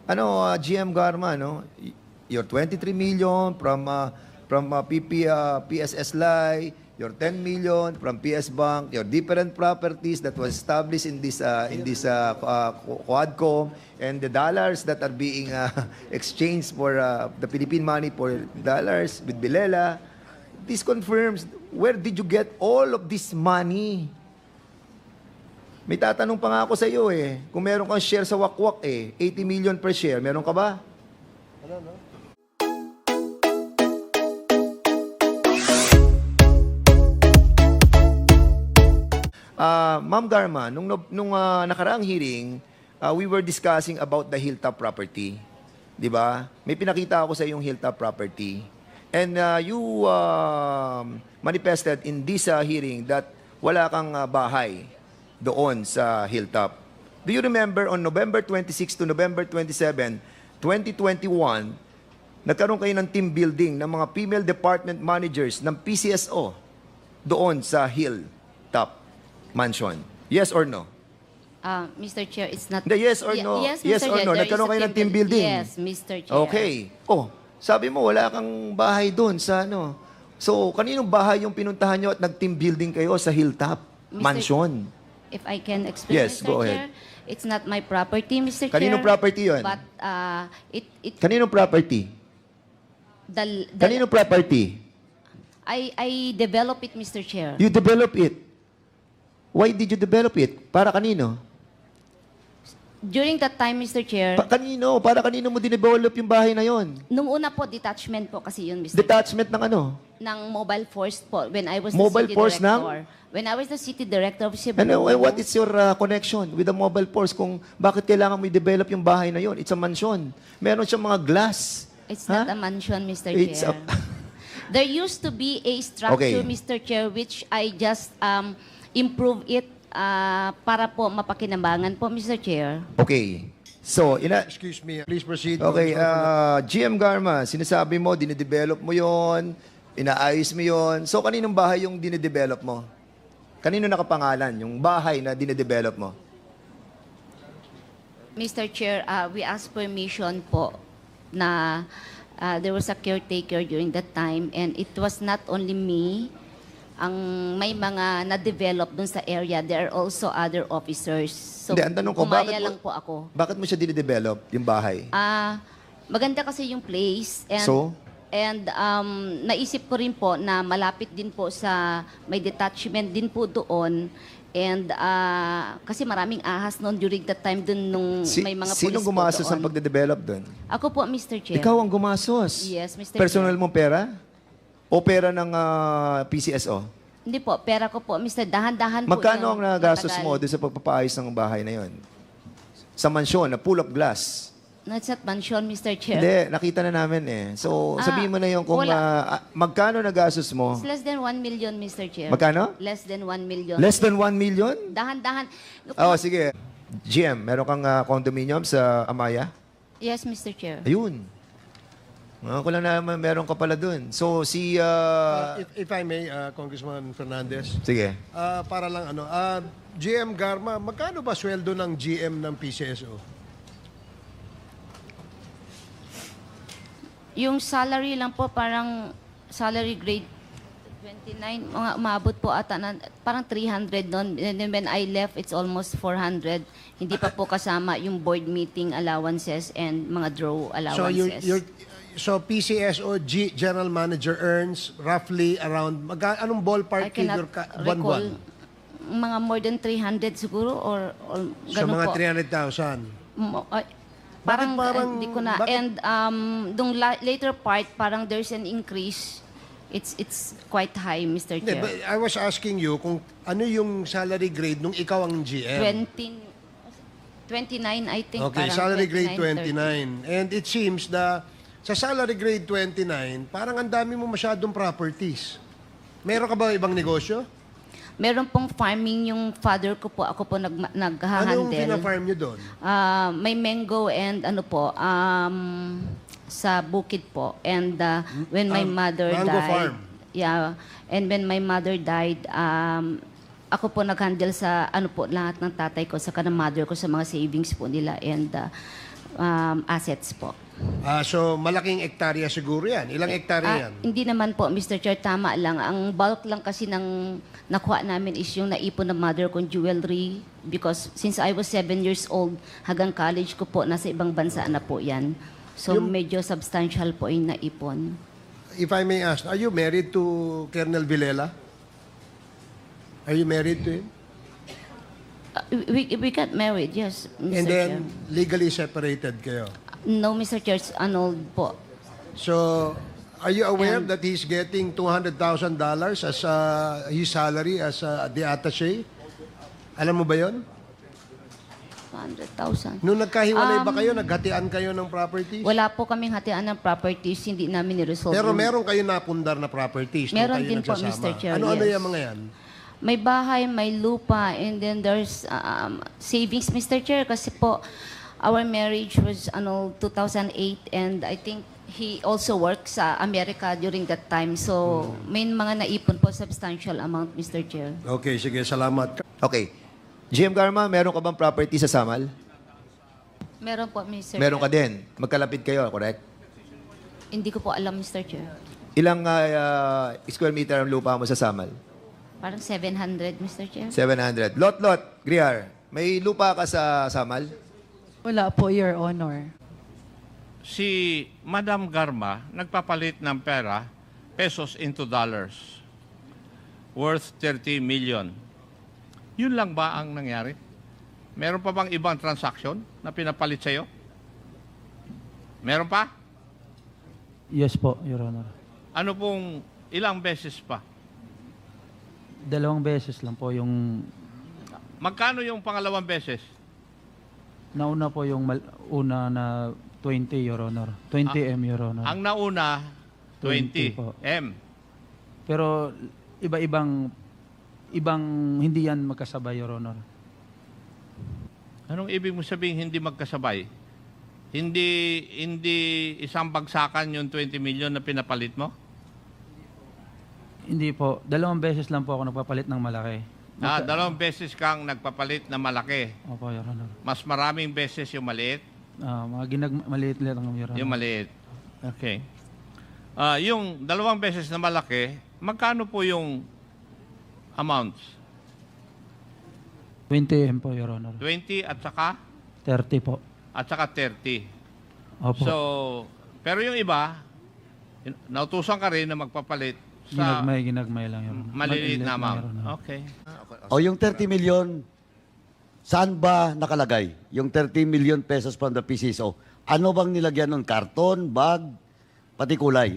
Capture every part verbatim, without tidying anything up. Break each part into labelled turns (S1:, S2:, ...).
S1: Ano, uh, G M Garma, no? Y- Your twenty-three million from uh, from uh, P P, uh, P S S L I, your ten million from P S Bank, your different properties that was established in this uh, in this uh, uh, Quadcom, and the dollars that are being uh, exchanged for uh, the Philippine money for dollars with Bilela. This confirms, where did you get all of this money? May tatanong pa nga ako sa iyo eh. Kung meron kang share sa Wakwak eh, eighty million per share, meron ka ba?
S2: Ano, no?
S1: Ah, Ma'am Garma, nung, nung ah, nakaraang hearing, ah, we were discussing about the Hilltop property. Di ba? May pinakita ako sa yung Hilltop property. And ah, you um, manifested in this ah, hearing that wala kang ah, bahay doon sa Hilltop. Do you remember on November twenty-sixth to November twenty-seventh, twenty twenty-one, nagkaroon kayo ng team building ng mga female department managers ng P C S O doon sa Hilltop Mansion? Yes or no?
S3: Uh, Mister Chair, it's not...
S1: Hindi, yes or
S3: Ye-
S1: no?
S3: Yes,
S1: Yes
S3: Mister
S1: or
S3: Chair,
S1: no?
S3: there
S1: Nagkaroon
S3: is a
S1: kayo ng team building?
S3: Yes, Mister Chair.
S1: Okay. Oh, sabi mo wala kang bahay doon sa ano. So, kaninong bahay yung pinuntahan nyo at nag-team building kayo sa Hilltop
S3: Mister
S1: Mansion?
S3: If I can explain,
S1: Yes,
S3: Mister
S1: go
S3: Chair,
S1: ahead.
S3: it's not my property, Mister Chair.
S1: Kaninong property yun?
S3: But uh, it... it
S1: Kaninong property?
S3: the, the,
S1: Kaninong property?
S3: I, I develop it, Mister Chair.
S1: You develop it. Why did you develop it? Para kanino?
S3: During that time, Mister Chair,
S1: Pa- kanino? Para kanino mo dinevelop yung bahay na yon?
S3: nung una po, detachment po kasi yun, Mister
S1: Detachment ng ano?
S3: ng mobile force po when I was
S1: Mobile
S3: the city
S1: force ng?
S3: director. When I was the city director of Cebu.
S1: Ano, and what is your uh, connection with the mobile force kung bakit kailangan mo i-develop yung bahay na yon? It's a mansion. Meron siyang mga glass.
S3: It's
S1: Ha?
S3: not a mansion, Mister
S1: It's
S3: Chair.
S1: a-
S3: There used to be a structure,
S1: Okay.
S3: Mister Chair, which I just um, improve it uh, para po mapakinabangan po, Mister Chair.
S1: Okay. So, ina
S2: Excuse me, please proceed.
S1: Okay,
S2: Congressman.
S1: uh, G M Garma, sinasabi mo, dinedevelop mo yon, inaayos mo yon. So, kaninong bahay yung dinedevelop mo? Kanino nakapangalan yung bahay na dinedevelop mo?
S3: Mister Chair, uh, we asked permission po na uh, there was a caretaker during that time and it was not only me ang may mga na-develop dun sa area. There are also other officers. So,
S1: Hindi, ang tanong ko,
S3: gumaya
S1: bakit mo-
S3: lang po ako.
S1: Bakit mo siya dinedevelop, yung bahay?
S3: Ah, maganda kasi yung place and
S1: So?
S3: and um, naisip ko rin po na malapit din po sa may detachment din po doon and ah, kasi maraming ahas noon during that time dun nung
S1: Si-
S3: may mga
S1: Sinong
S3: pulis po
S1: gumastos
S3: doon.
S1: ng pagde-develop doon?
S3: Ako po, Mister Chair.
S1: Ikaw ang gumastos.
S3: Yes, Mister
S1: Personal
S3: Chair.
S1: mong pera? O pera ng ah, P C S O?
S3: Hindi po, pera ko po, Mister Dahan-dahan po.
S1: Magkano ang
S3: yun,
S1: nagastos
S3: matagal.
S1: mo doon sa pagpapaayos ng bahay na yon? Sa mansyon, na full of glass.
S3: No, it's not mansion, Mister Chair.
S1: Hindi, nakita na namin eh. So,
S3: Ah,
S1: sabihin mo na yung kung
S3: wala.
S1: ah, ah, magkano nagastos mo?
S3: It's less than one million, Mister Chair.
S1: Magkano?
S3: Less than one million.
S1: Less than one million?
S3: Dahan-dahan.
S1: Oh, sige. G M, meron kang ah, condominium sa Amaya?
S3: Yes, Mister Chair.
S1: Ayun. Mga ko lang naman meron ka pala dun. So, si...
S2: Uh,
S1: ah,
S2: if, if I may, uh, Congressman Fernandez,
S1: sige.
S2: uh, para lang ano, uh, G M Garma, magkano ba sweldo ng G M ng P C S O?
S3: Yung salary lang po, parang salary grade twenty-nine, mga umabot po ata, na, parang three hundred noon. And then when I left, it's almost four hundred. Hindi pa po kasama yung board meeting allowances and mga draw
S2: So,
S3: allowances.
S2: you're, you're, so P C S O G General Manager earns roughly around, mag, anong
S3: I
S2: ballpark
S3: cannot
S2: figure ka,
S3: recall.
S2: buwan-buwan?
S3: Mga more than three hundred siguro or, or
S2: So,
S3: ganun
S2: mga
S3: po.
S2: three hundred thousand.
S3: Mo- ay, parang,
S2: parang-
S3: hindi ko na.
S2: bakit-
S3: And um, dung la- later part, parang there's an increase. It's it's quite high, Mister
S2: Hindi,
S3: Chair.
S2: but I was asking you kung ano yung salary grade nung ikaw ang G M.
S3: twenty, twenty-nine, I think.
S2: Okay,
S3: parang
S2: salary grade
S3: twenty-nine,
S2: twenty-nine. And it seems na sa salary grade twenty-nine, parang ang dami mo masyadong properties. Meron ka ba ibang negosyo?
S3: thirty. Meron pong farming yung father ko po. Ako po nag,
S2: Ano yung
S3: nag-handle.
S2: pina-farm nyo doon?
S3: Ah, may mango and ano po, um, sa bukid po. And uh, when my
S2: Ah,
S3: mother
S2: mango
S3: died,
S2: farm.
S3: yeah, and when my mother died, um, ako po nag-handle sa ano po lahat ng tatay ko, sa kanang mother ko sa mga savings po nila. And uh, um, assets po.
S2: Ah, so, malaking ektarya siguro yan. Ilang ektarya
S3: Ah,
S2: yan?
S3: hindi naman po, Mister Chair, tama lang. Ang bulk lang kasi ng nakuha namin is yung naipon ng mother kong jewelry because since I was seven years old, hanggang college ko po, nasa ibang bansa na po yan. So,
S2: Yung-
S3: medyo substantial po yung naipon.
S2: If I may ask, are you married to Colonel Villela? Are you married to him?
S3: Uh, we, we got married, yes, Mister
S2: And then,
S3: Chair.
S2: legally separated kayo.
S3: No, Mister Chair, it's annulled po.
S2: So, are you aware that he's getting two hundred thousand dollars as uh, his salary as uh, the attaché? Alam mo ba yon?
S3: two hundred thousand.
S2: Nung nagkahiwalay ba
S3: Um,
S2: kayo, naghatian kayo ng properties?
S3: Wala po kaming hatian ng properties, hindi namin niresolve.
S2: Pero
S3: yung-
S2: meron kayo napundar na properties. nung
S3: Meron
S2: kayo
S3: din po,
S2: nagsasama.
S3: Mister Chair,
S2: Ano-ano
S3: yes.
S2: yung mga yan?
S3: May bahay, may lupa, and then there's um, savings, Mister Chair, kasi po, our marriage was ano two thousand eight, and I think he also works sa America during that time. So, may mga naipon po substantial amount, Mister Chair.
S2: Okay, sige, salamat.
S1: Okay. G M Garma, meron ka bang property sa Samal?
S3: Meron po, Mister
S1: Meron ka
S3: Chair.
S1: din. Magkalapit kayo, correct?
S3: Hindi ko po alam, Mister Chair.
S1: Ilang ah, ah, square meter ang lupa mo sa Samal?
S3: Parang seven hundred, Mister Chair.
S1: seven hundred. Lot, lot. Griar, may lupa ka sa Samal?
S4: Wala po, Your Honor.
S5: Si Madam Garma nagpapalit ng pera, pesos into dollars, worth thirty million. Yun lang ba ang nangyari? Meron pa bang ibang transaction na pinapalit sa'yo? Meron pa?
S6: Yes po, Your Honor.
S5: Ano pong ilang beses pa?
S6: Dalawang beses lang po yung
S5: Magkano yung pangalawang beses?
S6: nauna po yung mal- una na twenty, Your Honor. twenty M, Your Honor.
S5: Ang nauna, twenty
S6: twenty po.
S5: M.
S6: Pero iba-ibang ibang hindi yan magkasabay, Your Honor.
S5: Anong ibig mo sabihin hindi magkasabay? Hindi hindi isang bagsakan yung twenty million na pinapalit mo?
S6: Hindi po. Dalawang beses lang po ako nagpapalit ng malaki.
S5: Ah,
S6: Magka-
S5: dalawang beses kang nagpapalit na malaki.
S6: Opo, Your Honor.
S5: Mas maraming beses yung maliit.
S6: Ah, mga ginag maliit lang, Your Honor.
S5: Yung maliit. Okay. Ah, yung dalawang beses na malaki, magkano po yung amounts?
S6: twenty M po, Your Honor.
S5: twenty at saka
S6: thirty po.
S5: at saka thirty.
S6: Opo.
S5: So, pero yung iba, in- nautusan ka rin na magpapalit sa
S6: ginagmay, ginagmay lang, Your Honor.
S5: maliliit na
S6: lang,
S5: amount.
S6: Your Honor.
S5: Okay.
S7: O yung thirty million, saan ba nakalagay? Yung thirty million pesos from the P C S O. Ano bang nilagyan nun? Karton, bag, pati kulay?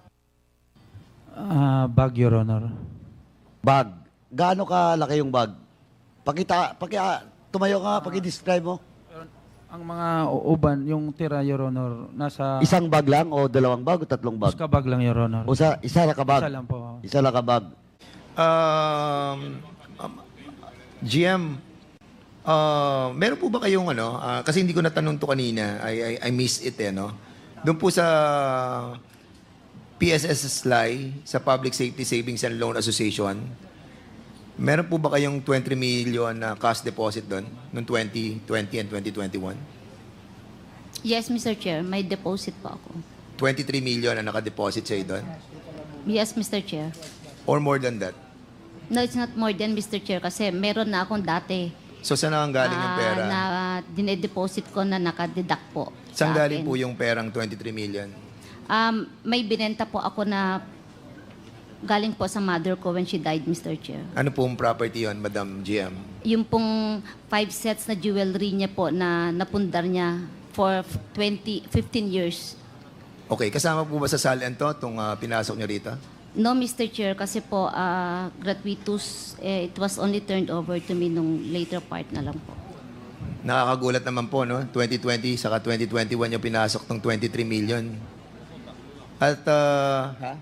S6: Ah, bag, Your Honor.
S7: Bag. Gaano kalaki yung bag? Pakita, paki, ah, tumayo ka, paki-describe mo.
S6: Ang mga u- uban, yung tira, Your Honor, nasa
S7: Isang bag lang o dalawang bag o tatlong bag?
S6: Uska bag lang, Your Honor.
S7: O sa, isa lang ka bag?
S6: Isa lang po.
S7: Isa lang ka bag.
S1: Um, um, G M, uh, meron po ba kayong ano, ah, kasi hindi ko natanong to kanina, I, I, I missed it eh, no? Doon po sa P S S S L I, sa Public Safety Savings and Loan Association, meron po ba kayong twenty million na cash deposit doon, noong twenty twenty and twenty twenty-one?
S3: Yes, Mister Chair, may deposit po ako.
S1: twenty-three million na nakadeposit sa'yo doon?
S3: Yes, Mister Chair.
S1: Or more than that?
S3: No, it's not more than, Mister Chair, kasi meron na akong dati.
S1: So, saan ang galing yung
S3: ah,
S1: pera?
S3: na dinedeposit ko na nakadeduct po.
S1: Saan
S3: sa
S1: galing
S3: akin.
S1: po yung perang twenty-three million?
S3: Um, may binenta po ako na galing po sa mother ko when she died, Mister Chair.
S1: Ano pong property yon, Madam G M?
S3: Yung pong five sets na jewelry niya po na napundar niya for twenty, fifteen years.
S1: Okay, kasama po ba sa salian to, itong ah, pinasok niyo rito?
S3: No, Mister Chair, kasi po ah, gratuitous, eh, it was only turned over to me nung later part na lang po.
S1: Nakakagulat naman po, no? twenty twenty saka twenty twenty-one yung pinasok ng twenty-three million. At, ah, ha?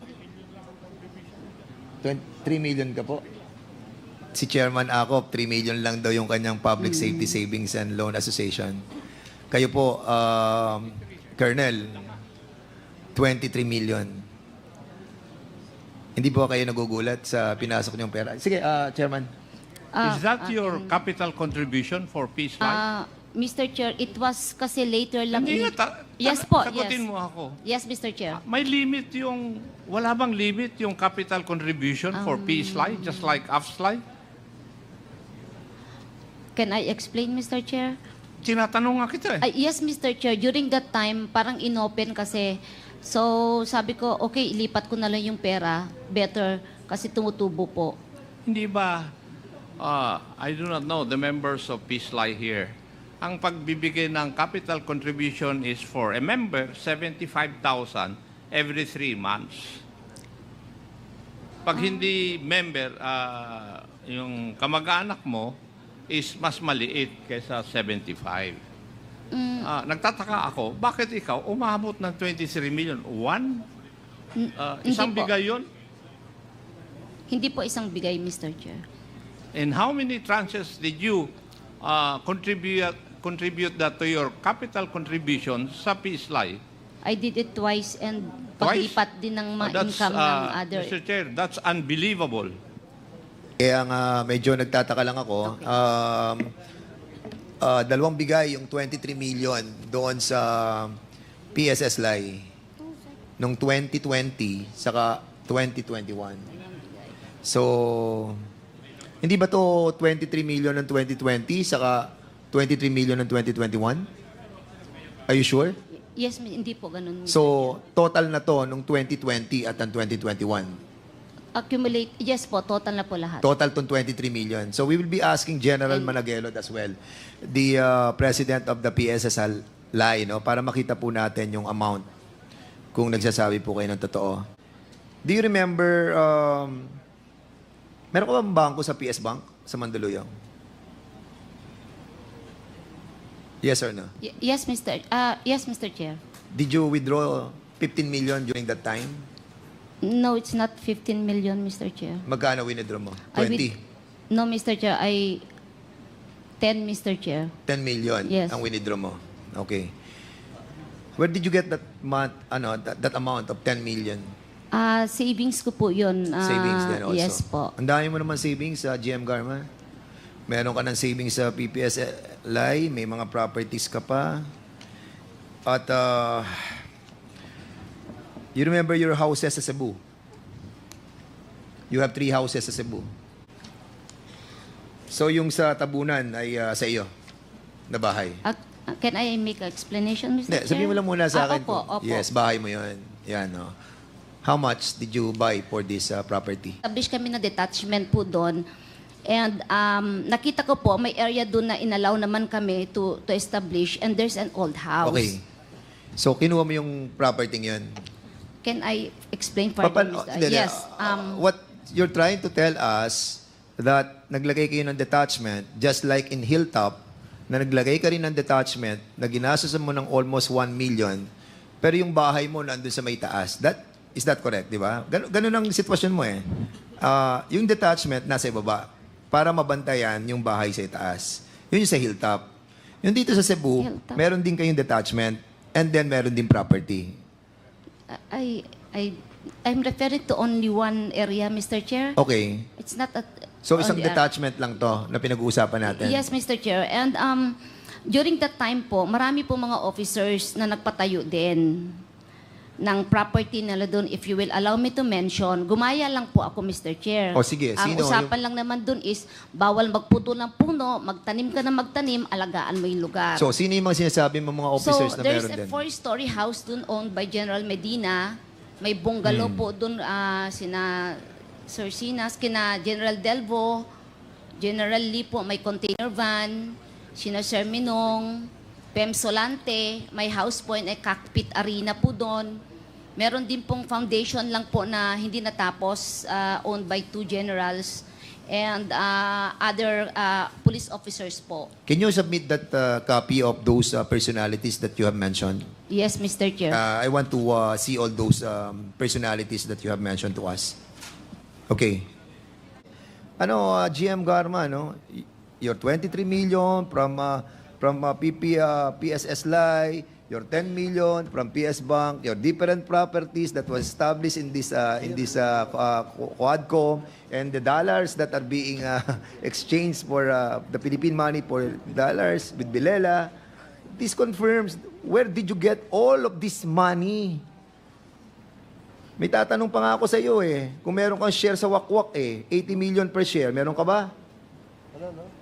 S1: three million ka po? Si Chairman Acop, three million lang daw yung kanyang Public Safety Savings and Loan Association. Kayo po, um, Colonel, twenty-three million. Hindi po kayo nagugulat sa pinasok niyong pera? Sige, ah, Chairman.
S3: Ah,
S5: Is that
S3: ah,
S5: your capital contribution for Peace Life?
S3: ah, Mister Chair, it was kasi later lang.
S5: Hindi
S3: in-
S5: nga, ta-
S3: yes
S5: ta-
S3: po,
S5: sagutin
S3: yes.
S5: mo ako.
S3: Yes, Mister Chair.
S5: May limit yung, wala bang limit yung capital contribution for
S3: Um,
S5: P-SLY, just like AFSLY?
S3: Can I explain, Mister Chair?
S5: Tinatanong nga kita eh.
S3: Ay, yes, Mister Chair. During that time, parang inopen kasi. So, sabi ko, okay, ilipat ko na lang yung pera. Better, kasi tumutubo po.
S5: Hindi ba, uh, I do not know the members of P-SLY here, ang pagbibigay ng capital contribution is for a member, seventy-five thousand every three months. Pag hindi member, uh, yung kamag-anak mo is mas maliit kaysa seventy-five.
S3: Mm,
S5: Ah, nagtataka ako, bakit ikaw umabot ng twenty-three million? One? Ah,
S3: hindi
S5: isang
S3: po.
S5: bigay yun?
S3: hindi po isang bigay, Mister Chair.
S5: And how many tranches did you uh, contribute contribute that to your capital contribution sa P-SLY?
S3: I did it twice and
S5: Twice?
S3: paglipat din ng
S5: Oh,
S3: mga
S5: that's,
S3: income ng
S5: uh,
S3: other.
S5: Mister Chair, that's unbelievable.
S1: Kaya nga medyo nagtataka lang ako. Um, ah, dalawang bigay yung twenty-three million doon sa P S S L I nung twenty twenty saka twenty twenty-one. So, hindi ba to twenty-three million ng twenty twenty saka twenty-three million ng twenty twenty-one? Are you sure?
S3: Yes, mi- hindi po ganun. Mister
S1: So, total na to nung twenty twenty at ng twenty twenty-one.
S3: Accumulate, yes po, total na po lahat.
S1: Total tong twenty-three million. So we will be asking General Managelod as well, the uh, president of the P S S L I, no, para makita po natin yung amount kung nagsasabi po kayo ng totoo. Do you remember, um, meron ka bang bangko sa P S Bank sa Mandaluyong? Yes or no?
S3: Y- yes, Mister Ah, yes, Mister Chair.
S1: Did you withdraw fifteen million during that time?
S3: No, it's not fifteen million, Mister Chair.
S1: Magkano withdraw mo?
S3: I with-
S1: twenty?
S3: No, Mister Chair, I ten, Mister Chair.
S1: ten million
S3: Yes.
S1: ang withdraw mo. Okay. Where did you get that month, ano, that, that amount of ten million?
S3: Ah, savings ko po 'yun. Ah,
S1: Savings din also.
S3: Yes po.
S1: Ang dami mo naman savings sa G M Garma. Meron ka ng savings sa P P S L I, may mga properties ka pa. At uh, you remember your houses sa Cebu? You have three houses sa Cebu. So yung sa Tabunan ay uh, sa iyo na bahay.
S3: Ah, can I make an explanation, Mister
S1: Hindi,
S3: Chair?
S1: sabihin mo lang muna sa
S3: Ah,
S1: akin.
S3: opo,
S1: kung-
S3: opo.
S1: Yes, bahay mo yun. Yan, no. How much did you buy for this uh, property?
S3: Establish kami na detachment po doon. And um, nakita ko po, may area doon na inalaw naman kami to, to establish and there's an old house.
S1: Okay. So, kinuha mo yung property yun.
S3: Can I explain further,
S1: Papan-
S3: Mister
S1: hindi, hindi.
S3: Yes.
S1: Uh,
S3: Um,
S1: what you're trying to tell us that naglagay kayo ng detachment just like in Hilltop na naglagay ka rin ng detachment na ginastos mo ng almost one million pero yung bahay mo nandun sa may taas. That, is that correct, di ba? Gan- ganun ang sitwasyon mo eh. Ah, yung detachment nasa ibaba para mabantayan yung bahay sa itaas. Yun yung sa Hilltop. Yung dito sa Cebu,
S3: Hilltop.
S1: meron din kayong detachment and then meron din property.
S3: I, I, I'm referring to only one area, Mister Chair.
S1: Okay.
S3: It's not a...
S1: So isang
S3: only a-
S1: detachment lang to na pinag-uusapan natin.
S3: Yes, Mister Chair. And um, during that time po, marami po mga officers na nagpatayo din ng property nila doon. If you will allow me to mention, gumaya lang po ako, Mister Chair.
S1: O, sige.
S3: Ang
S1: Sino?
S3: usapan lang naman doon is, bawal magputo ng puno, magtanim ka na magtanim, alagaan mo yung lugar.
S1: So, sino yung mga sinasabi mo mga officers
S3: so,
S1: na
S3: there's
S1: meron
S3: a
S1: din?
S3: four-story house doon owned by General Medina. May bungalow
S1: Hmm.
S3: po doon, ah, sina Sir Sinas, kina General Delvo, General Lee po, may container van, sina Sir Minong, Pem Solante, may house po ay cockpit arena po doon. Meron din pong foundation lang po na hindi natapos, ah, owned by two generals and ah, other ah, police officers po.
S1: Can you submit that uh, copy of those uh, personalities that you have mentioned?
S3: Yes, Mister Chair.
S1: Uh, I want to uh, see all those um, personalities that you have mentioned to us. Okay. Ano, uh, G M Garma, no? Y- Your twenty-three million from uh, from uh, P P, uh, P S S L I, your ten million from P S Bank, your different properties that was established in this uh, in this uh, uh, Quadcom, and the dollars that are being uh, exchanged for uh, the Philippine money for dollars with Bilela. This confirms, where did you get all of this money? May tatanong pa nga ako sa iyo eh, kung meron kang share sa Wakwak eh, eighty million per share, meron ka ba?
S2: Ano, no?